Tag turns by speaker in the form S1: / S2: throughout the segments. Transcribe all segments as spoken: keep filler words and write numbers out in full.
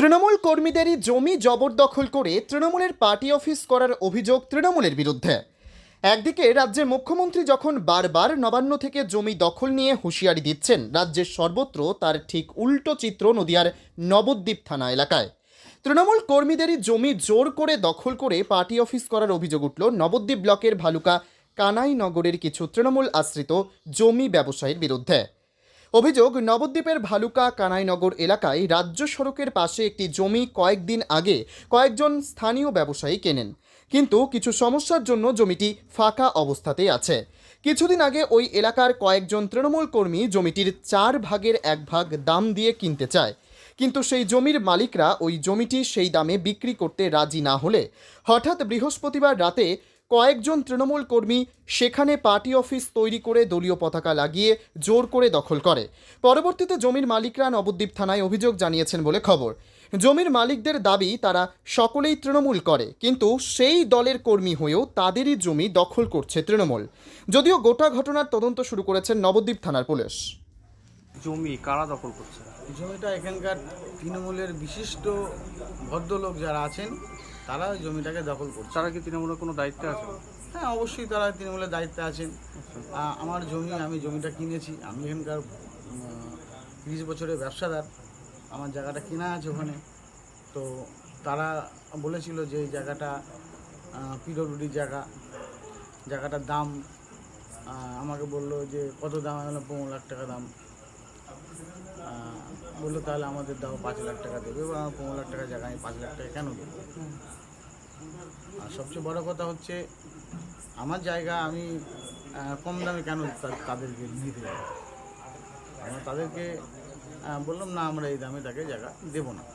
S1: তৃণমূল কর্মীদেরই জমি জবরদখল করে তৃণমূলের পার্টি অফিস করার অভিযোগ তৃণমূলের বিরুদ্ধে। একদিকে রাজ্যের মুখ্যমন্ত্রী যখন বারবার নবান্ন থেকে জমি দখল নিয়ে হুঁশিয়ারি দিচ্ছেন, রাজ্যের সর্বত্র তার ঠিক উল্টো চিত্র নদিয়ার নবদ্বীপ থানা এলাকায়। তৃণমূল কর্মীদেরই জমি জোর করে দখল করে পার্টি অফিস করার অভিযোগ উঠল নবদ্বীপ ব্লকের ভালুকা কানাইনগরের কিছু তৃণমূল আশ্রিত জমি ব্যবসায়ীর বিরুদ্ধে। অভিযোগ, নবদ্বীপের ভালুকা কানাইনগর এলাকায় রাজ্য সড়কের পাশে একটি জমি কয়েকদিন আগে কয়েকজন স্থানীয় ব্যবসায়ী কেনেন, কিন্তু কিছু সমস্যার জন্য জমিটি ফাঁকা অবস্থাতেই আছে। কিছুদিন আগে ওই এলাকার কয়েকজন তৃণমূল কর্মী জমিটির চার ভাগের এক ভাগ দাম দিয়ে কিনতে চায়, কিন্তু সেই জমির মালিকরা ওই জমিটি সেই দামে বিক্রি করতে রাজি না হলে হঠাৎ বৃহস্পতিবার রাতে কয়েকজন তৃণমূল কর্মী সেখানে পার্টি অফিস তৈরি করে দলীয় পতাকা লাগিয়ে জোর করে দখল করে। পরবর্তীতে জমির মালিকরা নবদ্বীপ থানায় অভিযোগ জানিয়েছেন বলে খবর। জমির মালিকদের দাবি, তারা সকলেই তৃণমূল করে, কিন্তু সেই দলের কর্মী হয়েও তাদেরই জমি দখল করছে তৃণমূল। যদিও গোটা ঘটনার তদন্ত শুরু করেছেন নবদ্বীপ থানার পুলিশ।
S2: জমি কারা দখল করছে?
S3: জমিটা এখানকার তৃণমূলের বিশিষ্ট ভদ্রলোক যারা আছেন তারা ওই জমিটাকে দখল করছে।
S2: তারা কি তৃণমূলের কোনো দায়িত্বে আছে?
S3: হ্যাঁ, অবশ্যই তারা তৃণমূলের দায়িত্বে আছেন। আ- আমার জমি, আমি জমিটা কিনেছি, আমি এখানকার তিরিশ বছরের ব্যবসাদার, আমার জায়গাটা কেনা আছে ওখানে। তো তারা বলেছিল যে এই জায়গাটা পিডব্লিউডির জায়গা, জায়গাটার দাম আহ, আমাকে বললো যে কত দাম, আমি বললাম পনেরো লাখ টাকা দাম। আহ, বললো তাহলে আমাদের দাও পাঁচ লাখ টাকা দেবে, এবং আমার পনেরো লাখ টাকা জায়গা আমি পাঁচ লাখ টাকা কেন দেবো? আর সবচেয়ে বড় কথা হচ্ছে আমার জায়গা আমি আহ, কম দামে কেন তা- তাদেরকে দিতে যাবো? আমরা তাদেরকে আহ, বললাম না, আমরা এই দামে তাকে জায়গা দেবো না।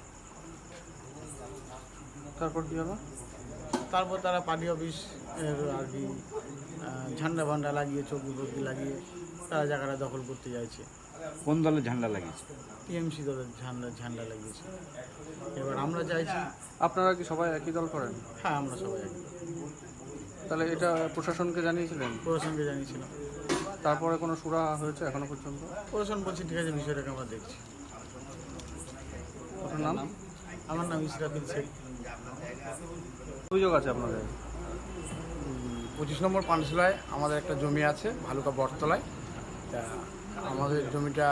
S2: তারপর কি হলো?
S3: তারপর তারা পার্টি অফিস এর আর কি আহ, ঝান্ডা ভান্ডা লাগিয়ে, চৌকি ফৌকি লাগিয়ে তারা জায়গাটা দখল করতে চাইছে।
S4: কোন দলের ঝান্ডা লাগিয়েছে?
S3: টিএমসি দলের ঝান্ডা ঝান্ডা লাগিয়েছে। এবার আমরা চাইছি,
S2: আপনারা কি সবাই একই দল করেন?
S3: হ্যাঁ আমরা সবাই একই।
S2: তাহলে এটা প্রশাসনকে জানিয়েছিলেন?
S3: প্রশাসনকে জানিয়েছিলাম,
S2: তারপরে কোনো সুরা হয়েছে এখনো পর্যন্ত?
S3: প্রশাসন বলছি ঠিক আছে, বিষয়টাকে আমরা দেখছি।
S2: আপনার নাম?
S3: আমার নাম ইসরাফিল শেখ।
S2: অভিযোগ আছে আপনাদের?
S5: পঁচিশ নম্বর পানশিলায় আমাদের একটা জমি আছে ভালুকা বটতলায়। তা আমাদের জমিটা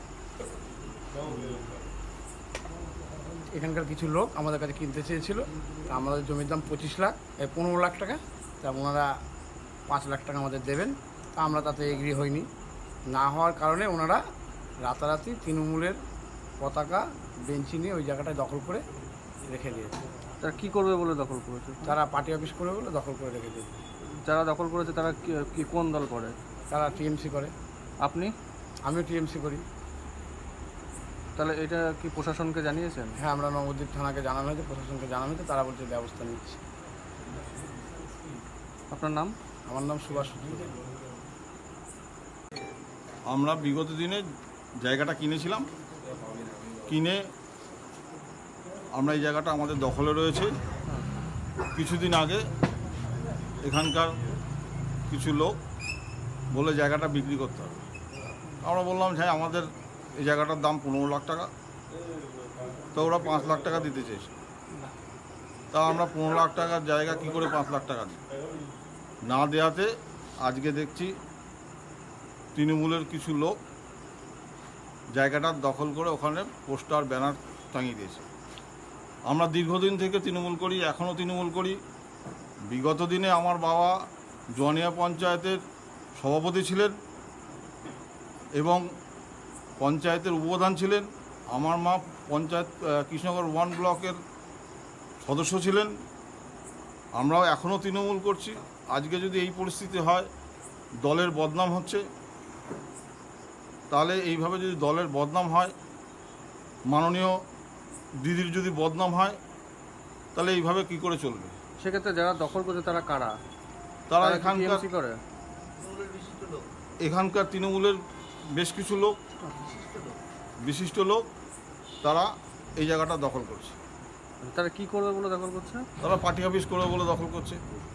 S5: এখানকার কিছু লোক আমাদের কাছে কিনতে চেয়েছিল। তা আমাদের জমির দাম পঁচিশ লাখ এই পনেরো লাখ টাকা। তা ওনারা পাঁচ লাখ টাকা আমাদের দেবেন। তা আমরা তাতে এগ্রি হইনি। না হওয়ার কারণে ওনারা রাতারাতি তৃণমূলের পতাকা বেঞ্চি নিয়ে ওই জায়গাটায় দখল করে রেখে দিয়েছে।
S2: তারা কি করবে বলে দখল করেছে?
S5: তারা পার্টি অফিস করে বলে দখল করে রেখে দিয়েছে।
S2: যারা দখল করেছে তারা কি- কি কোন দল করে?
S5: তারা টিএমসি করে,
S2: আপনি?
S5: আমিও টিএমসি করি।
S2: তাহলে এটা কি প্রশাসনকে জানিয়েছেন?
S5: হ্যাঁ, আমরা নবদ্বীপ থানাকে জানানো হয়েছে, প্রশাসনকে জানানো হয়েছে, তারা বলছে ব্যবস্থা নিচ্ছে।
S2: আপনার নাম?
S5: আমার নাম সুভাষ সূত্র।
S6: আমরা বিগত দিনে জায়গাটা কিনেছিলাম, কিনে আমরা এই জায়গাটা আমাদের দখলে রয়েছে। কিছুদিন আগে এখানকার কিছু লোক বলে জায়গাটা বিক্রি করতে হবে। আমরা বললাম হ্যাঁ, আমাদের এই জায়গাটার দাম পনেরো লাখ টাকা, তো ওরা পাঁচ লাখ টাকা দিতে চেয়েছে। তা আমরা পনেরো লাখ টাকার জায়গা কী করে পাঁচ লাখ টাকা দিই? না দেওয়াতে আজকে দেখছি তৃণমূলের কিছু লোক জায়গাটা দখল করে ওখানে পোস্টার ব্যানার টাঙিয়ে দিয়েছে। আমরা দীর্ঘদিন থেকে তৃণমূল করি, এখনও তৃণমূল করি। বিগত দিনে আমার বাবা জনিয়া পঞ্চায়েতের সভাপতি ছিলেন এবং পঞ্চায়েতের উপপ্রধান ছিলেন। আমার মা পঞ্চায়েত কৃষ্ণনগর ওয়ান ব্লকের সদস্য ছিলেন। আমরাও এখনও তৃণমূল করছি। আজকে যদি এই পরিস্থিতি হয়, দলের বদনাম হচ্ছে, তাহলে এইভাবে যদি দলের বদনাম হয়, মাননীয় দিদির যদি বদনাম হয়, তাহলে এইভাবে কি করে চলবে?
S2: সেক্ষেত্রে যারা দখল করছে তারা কারা?
S6: তারা
S2: তারা কি
S6: এখানকার
S2: TMC করে?
S6: এখানকার তৃণমূলের বেশ কিছু লোক, বিশিষ্ট লোক, তারা এই জায়গাটা দখল করছে।
S2: তারা কি করবে বলে দখল করছে?
S6: তারা পার্টি অফিস করবে বলে দখল করছে।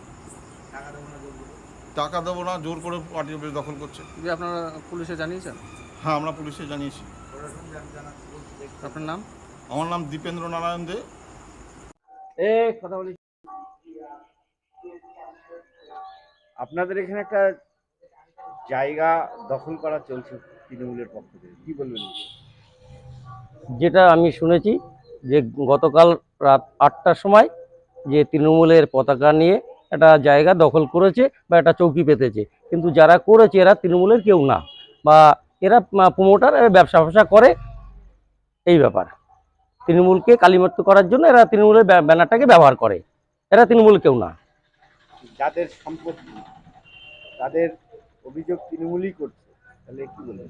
S6: টাকা দেবো না, জোর করে পার্টি অফিস দখল করছে।
S2: যে আপনারা পুলিশে জানিয়েছেন?
S6: হ্যাঁ, আমরা পুলিশে জানিয়েছি।
S2: আপনার নাম?
S6: আমার নাম দীপেন্দ্র নারায়ণ দে।
S4: এ কথা বলি, আপনাদের এখানে একটা জায়গা দখল করা চলছে তৃণমূলের পক্ষ থেকে, কি বলবেন?
S7: যেটা আমি শুনেছি যে গতকাল রাত আটটার সময় যে তৃণমূলের পতাকা নিয়ে একটা জায়গা দখল করেছে বা একটা চৌকি পেতেছে, কিন্তু যারা করেছে এরা তৃণমূলের কেউ না, বা এরা প্রমোটার, ব্যবসা ব্যবসা করে। এই ব্যাপার, তৃণমূলকে কালিমালিপ্ত করার জন্য এরা তৃণমূলের ব্যা- ব্যানারটাকে ব্যবহার করে। এরা তৃণমূল কেউ না।
S4: যাদের সম্পত্তি, তাদের অভিযোগ তৃণমূলই করছে, তাহলে কি বলবেন?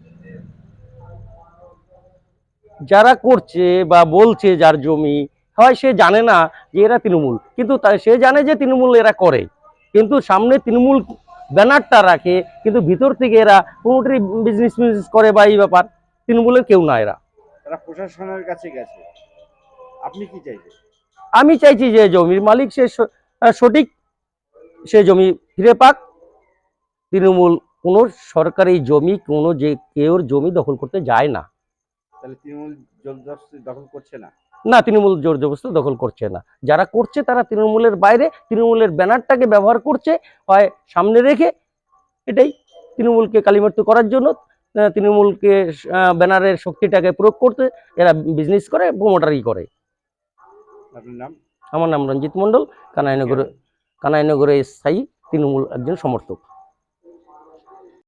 S7: যারা করছে বা বলছে যার জমি, হয় সে জানে না যে এরা তৃণমূল, কিন্তু তা- সে জানে যে তৃণমূল এরা করে, কিন্তু সামনে তৃণমূল ব্যানারটা রাখে, কিন্তু ভিতর থেকে এরা প্রমোটারি বিজনেস বিজনেস করে বা এই ব্যাপার। তৃণমূলের কেউ না এরা।
S4: তারা প্রশাসনের কাছে গেছে, আপনি কি চাইছেন?
S7: আমি চাইছি যে জমির মালিক সে স- আহ, সঠিক সে জমি ফিরে পাক। তৃণমূল কোনো সরকারি জমি, কোনো যে কেউর জমি দখল করতে যায় না।
S4: তাহলে তৃণমূল জবরদস্তি দখল করছে না?
S7: না, তৃণমূল জোর জবরদস্তি দখল করছে না। যারা করছে তারা তৃণমূলের বাইরে, তৃণমূলের ব্যানারটাকে ব্যবহার করছে, হয় সামনে রেখে। এটাই তৃণমূলকে কালিমালিপ্ত করার জন্য, আহ, তৃণমূলকে আহ, ব্যানারের শক্তিটাকে প্রয়োগ করতে এরা বিজনেস করে, প্রমোটারি করে।
S4: আপনার নাম?
S7: আমার নাম রঞ্জিত মণ্ডল, কানাইনগরে কানাইনগরে স্থায়ী তৃণমূল একজন সমর্থক।